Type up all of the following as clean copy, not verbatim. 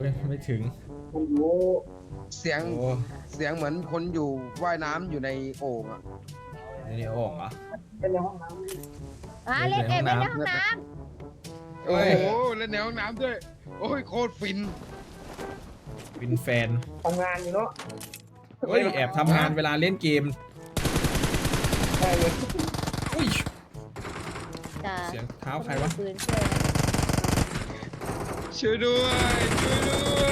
ไม่ถึงมันรู้เสียงเหมือนคนอยู่ว่ายน้ำอยู่ในโอ่งอ่ะนี่โอ่งเหรอเป็นในห้องน้ำเล่นเล่นในห้องน้โอ้โหเล่นในห้องน้ำด้วยโอ้ยโคตรฟินเป็นแฟนทำงานอยู่เนาะเฮ้ยแอบทำงานเวลาเล่นเกมใช่เลยอุ้ยำจ้าเสียงเท้าใครวะปืนช่วยนะช่วยด้วยช่วยด้วย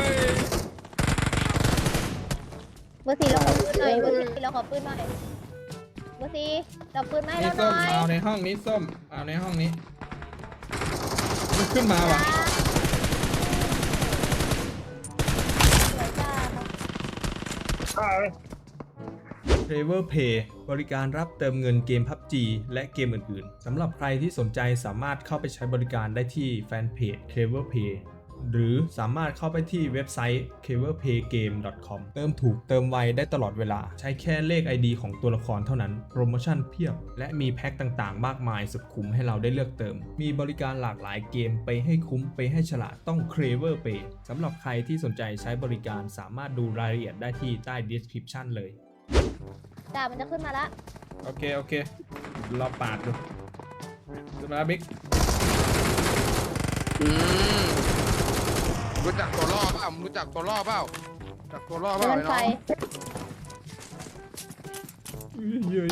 เบอร์สี่เราขอปืนหน่อยเบอร์สี่เราขอปืนหน่อยเบอร์สี่เราปืนมาให้นี่เราหส้น่มอยเอาในห้องนี้ส้มเอาในห้องนี้มันขึ้นมาว่ะสวยจ้าอ่า Clever Pay บริการรับเติมเงินเกม PUBG และเกมอื่นๆ สำหรับใครที่สนใจสามารถเข้าไปใช้บริการได้ที่แฟนเพจ Clever Pay หรือสามารถเข้าไปที่เว็บไซต์ cleverpaygame.com เติมถูกเติมไวได้ตลอดเวลาใช้แค่เลข ID ของตัวละครเท่านั้นโปรโมชั่นเพียบ และมีแพ็คต่างๆ มากมายสุดคุ้มให้เราได้เลือกเติม มีบริการหลากหลายเกมไปให้คุ้มไปให้ฉลาดต้อง Clever Pay สำหรับใครที่สนใจใช้บริการสามารถดูรายละเอียดได้ที่ใต้ description เลยจ้ามันจะขึ้นมาละโอเคเราปาดดูขึ้นมาแล้วบิ๊กรู้จักตัวล่อเปล่ารู้จักตัวล่อเปล่าจักตัวล่อเปเดิล่านไฟเยอะ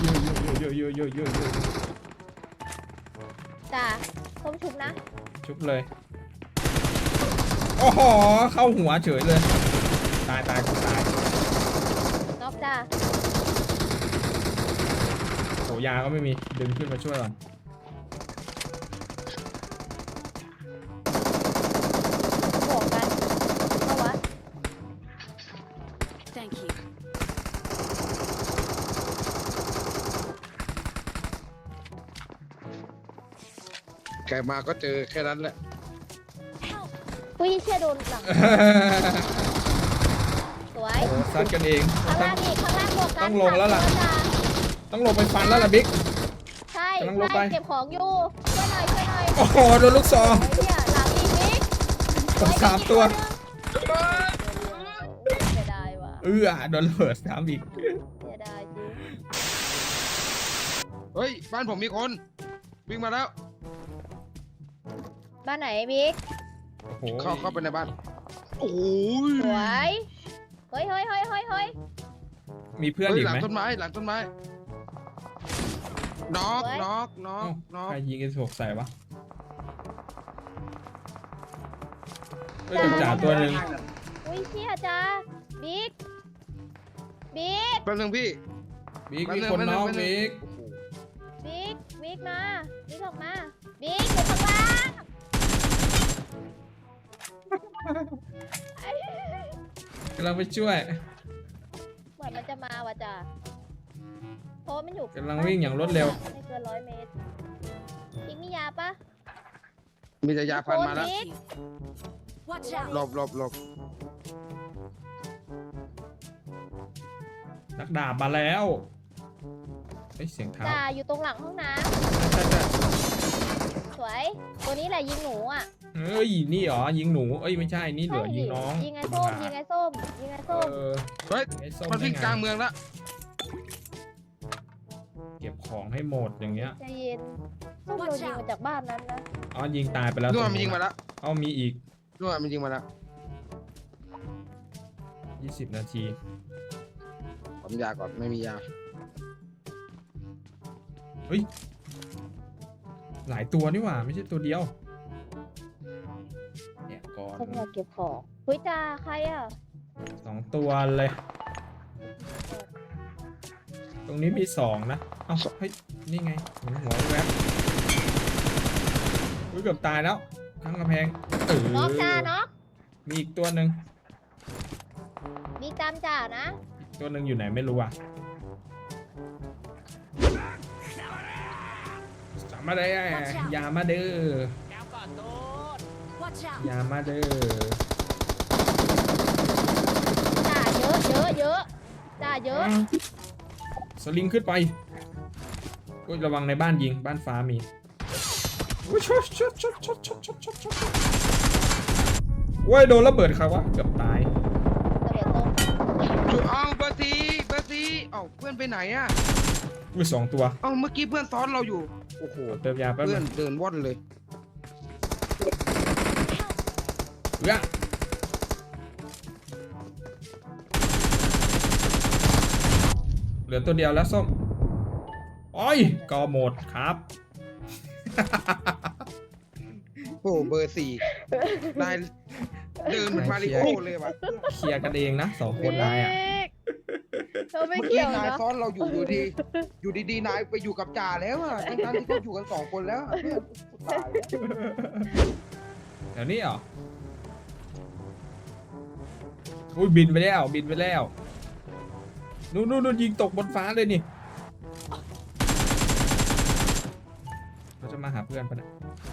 จ้าส้มชุบนะชุบเลย โอ้โห เข้าหัวเฉยเลย ตายน็อกจ้าโหยาก็ไม่มี ดึงขึ้นมาช่วยก่อนบวกกันเข้าวะ Thank you. แกมาก็เจอแค่นั้นแหละอุ้ยเชี่ยโดนหลังสวยโอ้ซัดกันเองข้างล่างอีกข้างล่างบวกกันต้องลงแล้วล่ะสามตัวจ้าต้องลงไปฟันแล้วล่ะบิ๊กใช่กำลังลงไปเก็บของอยู่ช่วยหน่อยโอ้โห โดนลูกซองไอ้เนี่ยหลังอีกนิดผมสามตัวเสียดายว่ะโดนระเบิดสามอีกเสียดายจริงเฮ้ยบ้านผมมีคนวิ่งมาแล้วบ้านไหนบิ๊กโอ้โหเข้าไปในบ้านโอ้ยสวยเฮ้ยมีเพื่อนเฮ้ยอีกหลัไหงมต้นไม้น็อกเฮ้ยน็อกเอ้าน็อกใครยิงกัน6ใส่วะเฮ้ยจ่าตัวหนึ่งอุ้ยเชี่ยจ้าบิ๊กแป๊บนึงพี่บิ๊กมีคนน้องบิ๊กบิ๊กมาบิ๊กออกมาบิ๊กอยู่ข้างล่างกำลังไปช่วยเหมือนมันจะมาว่ะจ้าเพราะมันอยู่กำลังวิ่งอย่างรวดเร็วไม่เกิน100 เมตรบิ๊กมียาปะมีแต่ยาพันมาแล้วบิ๊ก Watch out. หลบนักดาบมาแล้วเฮ้ยเสียงเท้าจ้าอยู่ตรงหลังห้องน้ใช่ำสวยตัวนี้แหละยิงหนูอ่ะเฮ้ยนี่เหรอยิงหนูเอ้ยไม่ใช่นี่เหลือยิงน้องยิงไงส้มยิงไงส้มยิงไงส้มเฮ้ยไอ้ส้มมันวิ่งได้ไกลางเมืองแล้วเก็บของให้หมดอย่างเงี้ยใจเย็นส้มโดนยิงมาจากบ้านนั้นนะอ๋อยิงตายไปแล้วนู่นมันยิงมาแล้วเอามีอีกนู่นมันยิงมาแล้ว 20 นาทีผมยาก่อนไม่มียาเฮ้ยหลายตัวนี่หว่าไม่ใช่ตัวเดียวเนี่ยก่อนส้มอยากเก็บของเฮ้ยจ้าใครอ่ะ 2 ตัวเลย ตรงนี้มี2นะเอ้าเฮ้ยนี่ไงเห็นหัวแวบเกือบตายแล้วทั้งกำแพงน็อกจ้าน็อกมีอีกตัวหนึ่งมีตามจ่านะตัวหนึ่งอยู่ไหนไม่รู้อ่ะสามมาได้ยามาเด้อ Watch out. ยามาเด้อจ่าเยอะจ่าเยอะสลิงขึ้นไปอุ้ยระวังในบ้านยิงบ้านฟ้ามีอุ้ยช็อตโว้ยโดนระเบิดครับวะเกือบตายระเบิดต้มจุดอ้าวเบอร์ซีเอ้าเพื่อนไปไหนอ่ะอุ้ยสองตัวเอ้าเมื่อกี้เพื่อนซ้อนเราอยู่โอ้โหเติมยาแป๊บเพื่นึอนงเดินว่อนเลยเอื้อเหลือตัวเดียวแล้วส้มโอ้ยกอหมดครับโอ้เบอร์สี่นายเดินเหมือนมาริโอเลยว่ะเคลียร์กันเองนะสองคนนายอ่ะเราไม่เมื่อเกี่กี้ยวนายนะซ้อนเราอยู่ดีๆนายไปอยู่กับจ่าแล้วอ่ะทั้งที่เขาอยู่กัน2 คนแล้วอะเพื่อนตายแล้วเดี๋ยวนี้เหรออุ้ยบินไปแล้วบินไปแล้วนู่นยิงตกบนฟ้าเลยนี่เราจะมาหาเพื่อนปะเนี่ย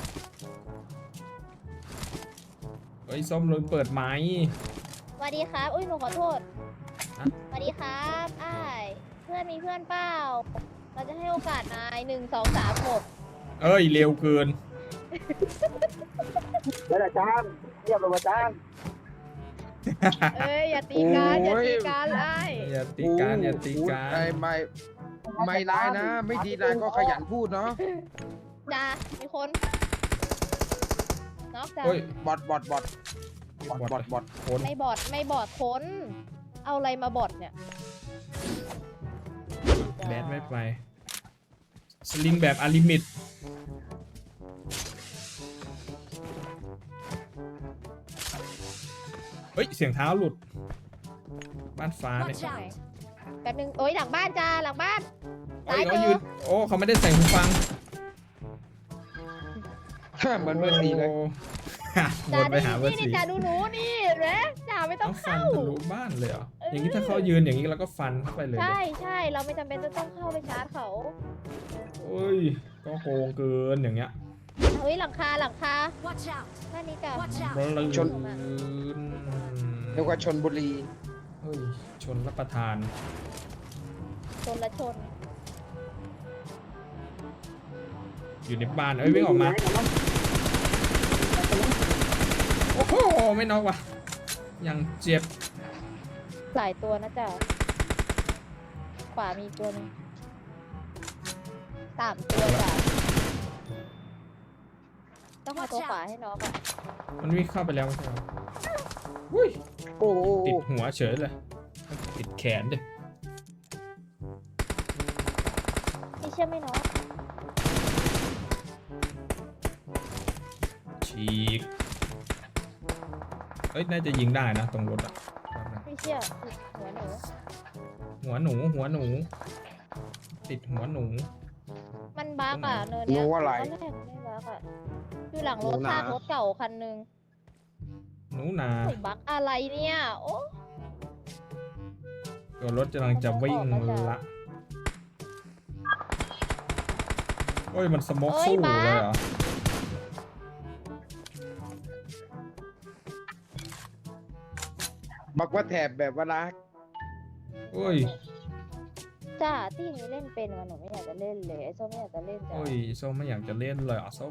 เฮ้ยส้มลืมเปิดไม้สวัสดีครับอุ้ยหนูขอโทษฮะสวัสดีครับอ้ายเพื่อนมีเพื่อนเปล่าเราจะให้โอกาสนาย1 2 3 6 เอ้ยเร็วเกินแล้วอาจารย์เรียบร้อยอาจารย์เอ้ยอย่าตีกันอย่าตีกันไอ้อย่าตีกันอย่าตีกันไม่นายนะ ไม่ดีนายก็ขยันพูดเนาะจ้ามีคนน็อกจ้าเฮ้ยบอทคนไม่บอดคนเอาอะไรมาบอดเนี่ยแบดไม่ไปสลิงแบบอลิมิตเฮ้ยเสียงเท้าหลุดบ้านฟ้าเนี่ย Watch out! แป๊บนึงโอ้ยหลังบ้านจ้าหลังบ้านเฮ้ยตายเขาเจยือนโอ้เขาไม่ได้ใส่หูฟังเหมือนเบอร์สี่เลยโอ้ วจ้านไปหาเบอร์นี่สี่จ้าดูหนูนี่เห็นไหมจ้าไม่ต้อต้งองฟันเข้าทะลุบ้านเลยเหรออย่างนี้ถ้าเขายืนอย่างนี้เราก็ฟันเข้าไปเลยใช่ใช่เราไม่จำเป็นจะต้องเข้าไปชาร์จเขาโอ้ยก็โกงเกินอย่างเงี้ยเฮ้ยหลังคา Watch out! บ้านนี้จ้า Watch out! แล้วชนนเรียกว่าชนบุรีเฮ้ยชนรับประทานชนละชนอยู่ในบ้านเอ้ยวิ่งออกมาโอ้โหไม่น็อกว่ะยังเจ็บหลายตัวนะจ้าขวามีตัวหนึง3 ตัวจ้าต้องมาตัวขวาให้น้องอ่ะมันวิ่งเข้าไปแล้วไม่ใช่เหรออุ้ยโอ้โหติดหัวเฉยเลยติดแขนดิไม่เชื่อไม่น้องฉีกเอ้ยน่าจะยิงได้นะตรงรถอะไม่เชื่อหัวหนูหัวหนูติดหัวหนูมันบั๊กอ่ะเนินหเนี้นูยอะไรตอนแรกมันไม่บั๊กอ่ะอยู่หลังรถหนูนาซากรถเก่าคันนึงหนูนาโอ้ยบั๊กอะไรเนี่ยโอ้ตัวรถกำลังจะวิ่งละโอ้ยมันสโมกสู้เลยเหรอบักว่าแถบแบบว่ารักโอ้ยจ้าที่นี้เล่นเป็นมันหนูไม่อยากจะเล่นเลยไอ้ส้มไม่อยากจะเล่นจ้าโอ้ยส้มไม่อยากจะเล่นเลยอ่ะส้ม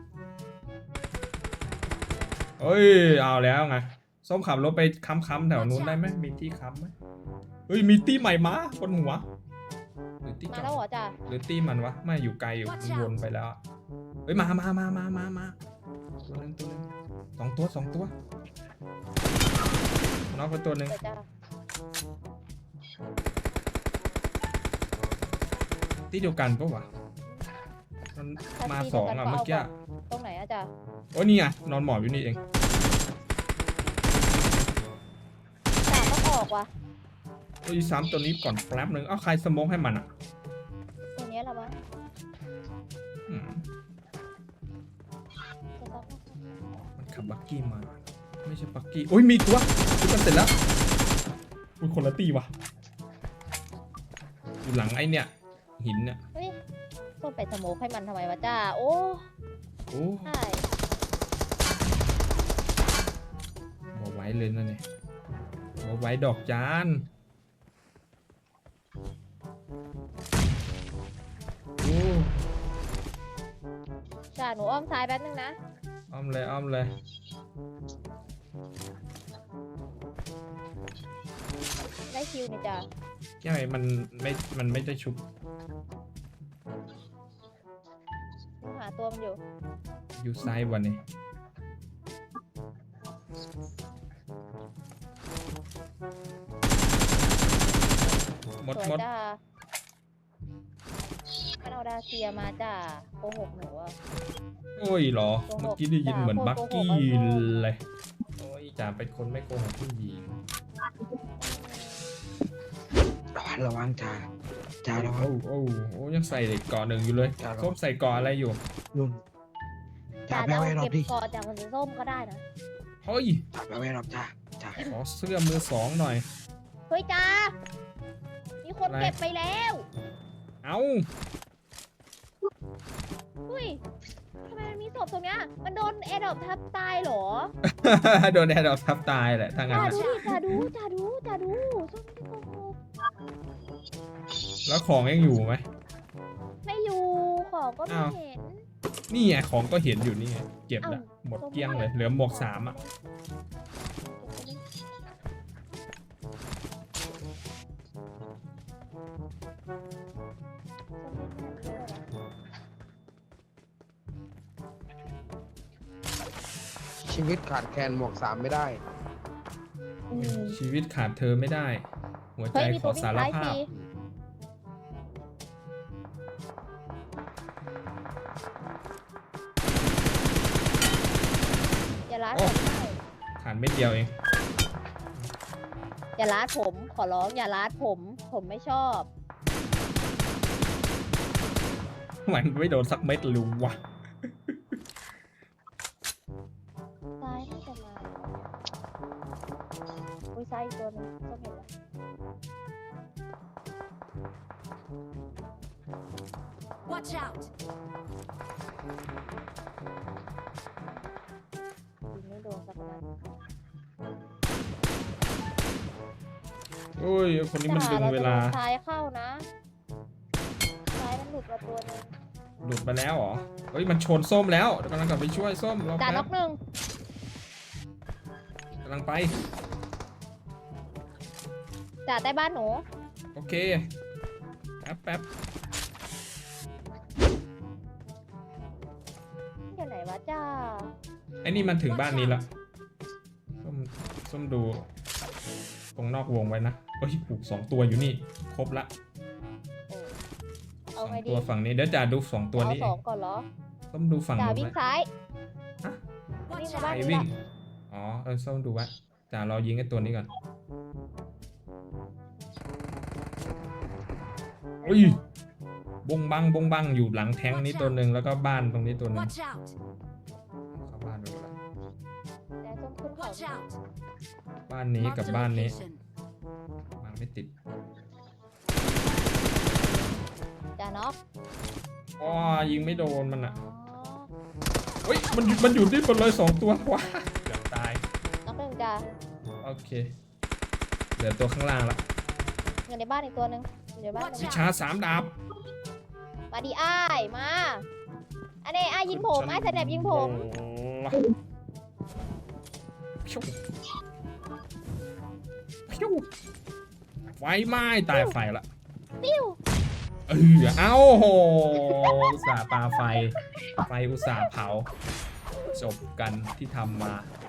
เอ้ยเอาแล้วไงส้มขับรถไปค้ำๆแถวนู้นได้ไหมมีที่ค้ำไหมเฮ้ยมีตี้ใหม่มาบนหัวหรือตี้มาเก่าแล้วเหรอจ้าหรือตี้มันวะไม่อยู่ไกลอยู่มันวนไปแล้วอะเฮ้ยมาตัวหนึงสองตัวน็อกไปตัวหนึ่งเดี๋ยวจ้าที่เดียวกันปะวะมันมาสองอ่ะเมื่อกี้ตรงไหนอะจ้าโอ้ยนี่ไงนอนหมอบอยู่นี่เองจ้าต้องออกว่ะโอ้ยซ้ำตัวนี้ก่อนแป๊บนึงเอ้าใครสโมกให้มันอ่ะตัวเนี้ยแหละมั้งอืมจะต้องมันขับบักกี้มาไม่ใช่บักกี้โอ้ยมีตัวชุดกันเสร็จแล้วอุ้ยคนละตีว่ะอยู่หลังไอ้เนี่ยหินเนี่ยเฮ้ยต้องไปสโมกให้มันทำไมวะจ้าโอ้โอ้ใช่บอกไว้เลยนะเนี่ยบอกไว้ดอกจานโอ้จ้าหนูอ้อมซ้ายแป๊บนึงนะอ้อมเลยได้คิวนี่จ้ะใช่มันไม่ได้ชุบหาตัวมันอยู่อยู่ซ้ายวันนี้หมดสวยหมดจ้ามันเอาดาเซียมาจ้าโกหกหนูอะโอ้ยเหรอโกหกเมื่อกี้ได้ยินเหมือนด่าบักโกหกกี้ไอ้โง่เลยโอ้ยจ่าเป็นคนไม่โกหกผู้หญิงระวังจ่าจ่าระวังโอ้ยังใส่เกาะหนึ่งอยู่เลยครับส้มใส่เกาะอะไรอยู่นุ่นจ่าจ้าแปลจะไว้รอเอาเก็บบ ดิคอจากมันสีส้มก็ได้นะเฮ้ยจ่าแปลไว้รอบจ่าจ่าขอเสื้อมือสองหน่อยเฮ้ยจ้ามีคนอะไรเก็บไปแล้วเอ้าเฮ้ยทำไมมันมีศพตรงเนี้ยมันโดนแอร์ดรอปทับตายเหรอโดนแอร์ดรอปทับตายแหละถ้างั้นจ้าน่ะดูดิจ้าดูจ้าดูจ้าดูส้มไม่ได้โกหกแล้วของยังอยู่ไหมไม่อยู่ของก็ไม่อ้าวเห็นนี่ไงของก็เห็นอยู่นี่ไงเก็บละเอ้าหมดเกลี้ยงเลยเหลือหมวกสามอ่ะชีวิตขาดแคลนหมวก 3ไม่ได้อืมชีวิตขาดเธอไม่ได้ หัวใจเฮ้ยมีขตัอววิ่งสารซ้ายภาฟรีพอย่าล้าโอ้ผมได้ขาดเม็ดเดียวเองอย่าล้าผมขอร้องอย่าล้าผมไม่ชอบมันไม่โดนสักเม็ดเลยวะซ้ายน่าจะมาอุ้ยซ้ายอีกตัวหนึงส้มเห็นแล้ว Watch out! ยิงไม่โดนสักนัดโอ้ยคนนี้มันดึงเวลาจ้รจะโดนซ้ายเข้านะซ้ายมันหลุดมาตัวหนึงหลุดไปแล้วเหรอ เฮ้ยมันชนส้มแล้วกำลังกลับไปช่วยส้มรอจ่าแป๊น็อบ กหนึ่งกำลังไปจ่าใต้บ้านหนูโอเคแป๊บอยู่ไหนวะจ้าไอ้นี่มันถึงบ้านนี้แล้วส้มดูตรงนอกวงไว้นะเฮ้ยผูก2 ตัวอยู่นี่ครบละโอ้เอาสองไงดีตัวฝั่งนี้เดี๋ยวจ่าดู2 ตัวนี้เอาสองก่อนเหรอส้มดูฝั่งจ่านู้นวิ่ไหมงซ้าย Watch วิ่งมาบ้านใคร out! วิ่ง อ๋อส้มดูไว้จ่ารอยิงไอ้ตัวนี้ก่อนอุ้ยบงบังอยู่หลังแท้งนี้ตัวหนึ่งแล้วก็บ้านตรงนี้ตัวหนึ่ง Watch out! เข้าบ้านไปหมดแล้วแต่ส้มขึ้นเขา Watch out! บ้านนี้ Mark กับ the บ้านนี้ location. บ้านไม่ติดจ่าน็อกอ๋อยิงไม่โดนมันอ่ะอ๋อเฮ้ยมันอยู่ที่บนเลย2 ตัวว้าเกือบตายน็อกหนึ่งจ้าโอเคเหลือตัวข้างล่างละอยู่ในบ้านอีกตัวหนึ่งอยู่ในบ้านห Watch นึ่วิงชา3 ดาบมาดีอ้ายมาอันนี้อ้ายยิงผมอ้ายสแนปยิงผมพิ้วพิ้วไฟไหม้ตายไฟละปิ้วเอ้าโหอุตส่าห์ปาไฟอุตส่าห์เผาจบกันที่ทำมา